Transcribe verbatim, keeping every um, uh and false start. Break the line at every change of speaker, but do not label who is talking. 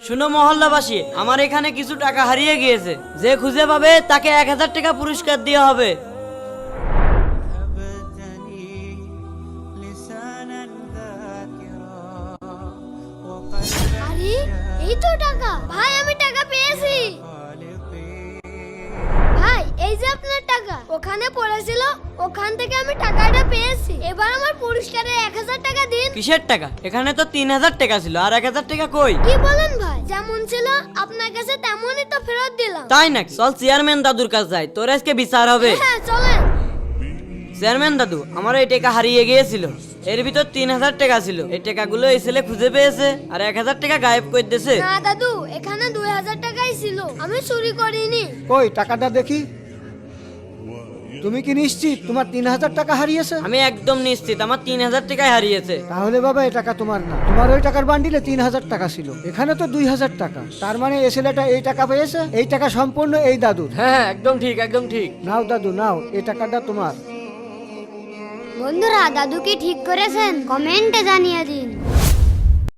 শুনো মহল্লাবাসী, আমার এখানে কিছু টাকা হারিয়ে গিয়েছে। যে খুঁজে পাবে তাকে এক হাজার টাকা পুরস্কার দেওয়া হবে।
আরে এই তো টাকা। ভাই আমি টাকা পেয়েছি। ভাই এই যে আপনার টাকা ওখানে পড়েছিল, ওখান থেকে আমি টাকাটা পেয়েছি। এবার আমার পুরস্কারের এক হাজার টাকা দিন।
কিসের টাকা? এখানে তো তিন হাজার টাকা ছিল, আর এক হাজার টাকা কই?
কি বলেন ভাই? যেমন ছিল আপনার কাছে তেমনই তো ফেরত দিলাম।
তাই নাকি? চল চেয়ারম্যান দাদুর কাছে যাই, তোর আজকে বিচার হবে।
হ্যাঁ চলেন।
চেয়ারম্যান দাদু, আমার এই টাকা হারিয়ে গিয়েছিল। এর ভিতর তিন হাজার টাকা ছিল। এই টাকাগুলো এই ছেলে খুঁজে পেয়েছে, আর এক হাজার টাকা গায়েব করে দিয়েছে।
না দাদু, এখানে দুই হাজার টাকাই ছিল, আমি চুরি করিনি।
কই টাকাটা দেখি। তুমি কি নিশ্চিত তোমার তিন হাজার টাকা হারিয়েছে?
আমি একদম নিশ্চিত আমার তিন হাজার টাকাই হারিয়েছে।
তাহলে বাবা এই টাকা তোমার না। তোমার ওই টাকার বান্ডিলে তিন হাজার টাকা ছিল, এখানে তো দুই হাজার টাকা। তার মানে এই ছেলেটা এই টাকা পেয়েছে। এই টাকা সম্পূর্ণ এই দাদুর।
হ্যাঁ একদম ঠিক, একদম ঠিক।
নাও দাদু নাও, এই টাকাটা তোমার।
বন্ধুরা, দাদু কি ঠিক করেছেন? কমেন্টে জানিয়ে দিন।